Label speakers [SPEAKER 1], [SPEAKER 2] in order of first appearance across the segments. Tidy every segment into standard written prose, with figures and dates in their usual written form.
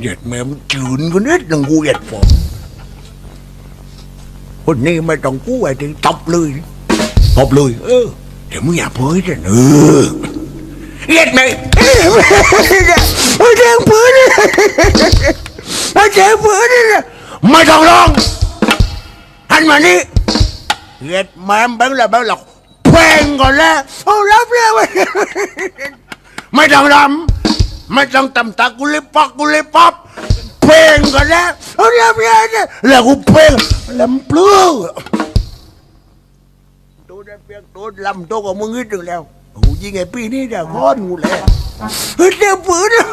[SPEAKER 1] เหยียดแม่มจืนคนนี้ดังกูเหยียดผมคนนี้ไม่ต้องกู้ไอ้ที่ตบเลยเดี๋ยวมึงอย่าเพ้อจะเหยียดแม่เจ้าเพ้อไม่ต้องร้องหันมานี่เหยียดแม่มแบบหลอกเพลงก่อนแล้วเอารับแล้วไม่ต้องรำไม่ต้องตำตากูเลยป๊อปเพลงก่อนแล้วเอารับแล้วกูเพลงลำปลื้อตัวได้เพียงตัวลำตัวของมึงนิดนึงแล้วกูยิงไอ้ปีนี้เดี๋ยวก้อนกูแล้วเจ้าปืน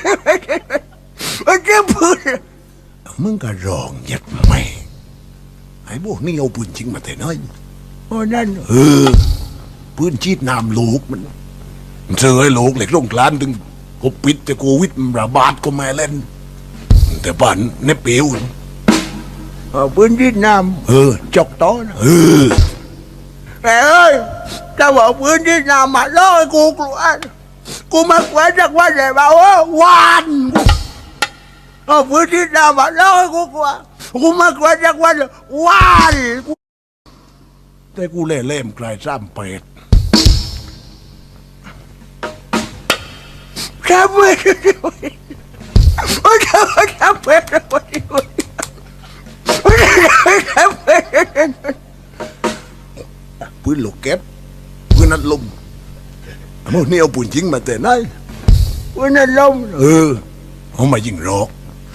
[SPEAKER 1] มึงก็ร้องยัดไม่ไอ้พวกนี้เอาปืนจริงมาแต่น้อยเพราะนั่นปืนชีดน้ำลูกมันเจอไอ้ลูกเหล็กลงกลานถึงกูปิดแต่โควิดระบาดก็ไม่เล่นแต่บ้านในเปียวปืนชีดน้ำจอกต้อนแต่เอ้ยถ้าบอกปืนชีดน้ำมาล่อกูกลัวกูมากลัวจากวันไหนบ้าววันปืนชีดน้ำมาล่อกูกลัวกูมากลัวจากวันแต่กูเล่มกลายซ้ำเป็ดซ้ำเป็ดปืนลูกเก็บปืนนัดลมมึงนี่เอาปืนจริงมาแต่ไหนปืนนัดลมเอามายิงหรอก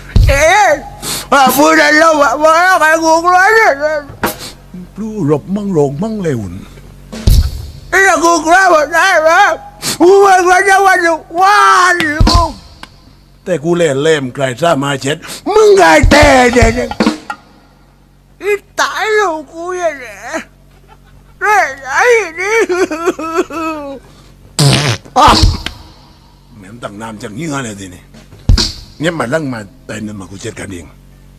[SPEAKER 1] ปืนนัดลมมาแล้วใครกูกลัวเนี่ยรู้รบมั่งโรงมั่งเลวนี่กูกลัวหมดได้ไหมกูไม่กลัวจะวันกูแต่กูเล่มไกลซ่ามาเช็ดมึงไงแต่เนี่ยอีตายลูกกูยังไงเร่ไอ้นี่แม่งตั้งน้ำจังเงี้ยเลยทีนี้เนี่ยมาลั่งมาแต่เนี่ยมากูเช็ดกันเอง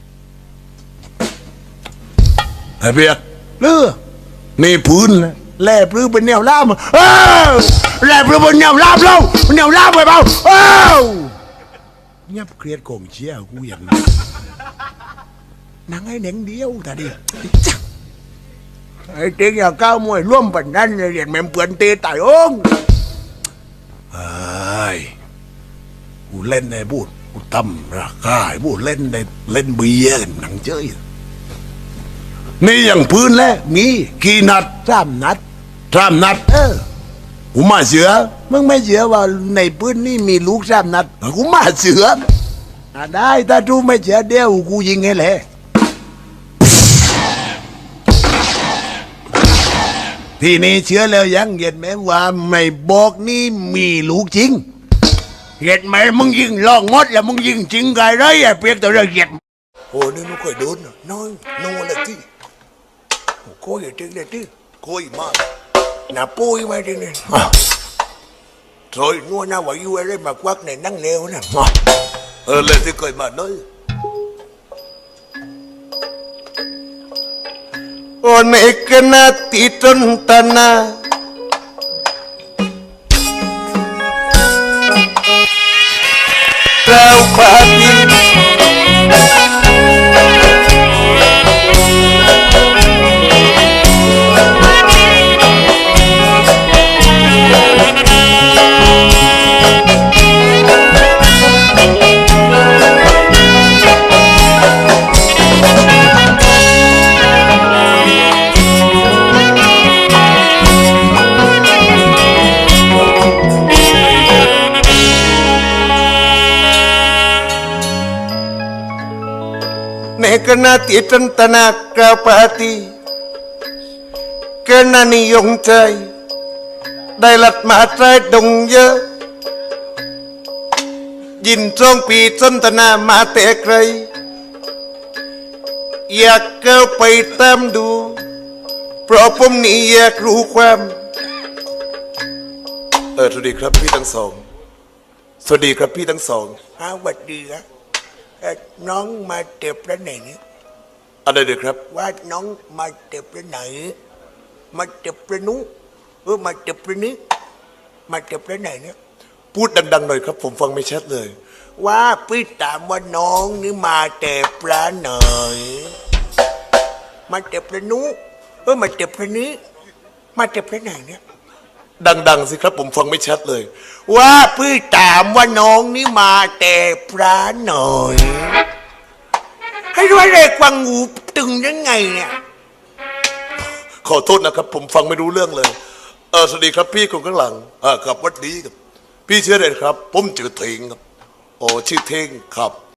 [SPEAKER 1] ไอ้เปียกเลือนี่พื้นเลยแล่ปลื้เป็นแนวล่ามแล่ปลื้เป็นแนวล่ามเราแนวล่ามไปเปล่าเงียบเครียดโกงเชี่ยกูอย่างนี้นังไอ้เหน่งเดียวแต่ดิไอ้เจ๊อย่าก้าวมวยร่วมปันนั่นเรียนแม่เปื่อนเตะตายองไอ้กูเล่นในบูดกูตั้มราคาไอ้บูดเล่นในเล่นเบียร์หนังเจ้ยนี่อย่างพื้นแล้วมีกี่นัด3 นัดกูมาเสือมึงไม่เสือว่าในพื้นนี่มีลูก3 นัดกูมาเสือได้ถ้าทูไม่เสือเดียวกูยิงให้เลยทีนี้เชื่อแล้วยังเห็นไหมว่าไม่บอกนี่มีลูกจริงเห็นไหมมึงยิงลองงดแล้วมึงยิงจริงไงไรไอ้เปียกตัวเราเห็นโอ้นี่นุ้ยเคยโดนน้อยอะไรที่โค้ยจริงเลยที่โค้ยมากน่าปุ้ยมาจริงเลยrồi nuôi nào vậy vui đấy mà quát này nắng nêu nè lên thì cười mà nói One kena titun tanah Rau pati Kena titan tanah kapati Kena niyong chay Đại lật mã trai đồng dơ Nhìn trong pi chân tanah mã tệ kray Yak kau pai tam du Propom ni yak ruความสวัสดีครับพี่ทั้งสองสวัสดีครับพี่ทั้งสองสวัสดีครับน้องมาเจ็บแล้วไหนเนี่ยอะไรเด็กครับว่าน้องมาเจ็บแล้วไหนมาเจ็บแล้วนู้มาเจ็บแล้วนี้มาเจ็บแล้วไหนเนี่ยพูดดังๆหน่อยครับ ผมฟังไม่ชัดเลย ว่าพี่ถามว่าน้องนี่มาแต่ปลาไหนมาแต่ปลานุมาแต่ปลานี้มาแต่ปลาไหนเนี่ยดังๆสิครับ ผมฟังไม่ชัดเลย ว่าพี่ถามว่าน้องนี่มาแต่ปลาไหนให้รู้อะไรกวางงูตึงยังไงเนี่ยขอโทษนะครับ ผมฟังไม่รู้เรื่องเลยสวัสดีครับพี่คนข้างหลังกับวัดดีครับพี่ชื่ออะไรครับผมชื่อเทงครับโอ้ชื่อเทงครับ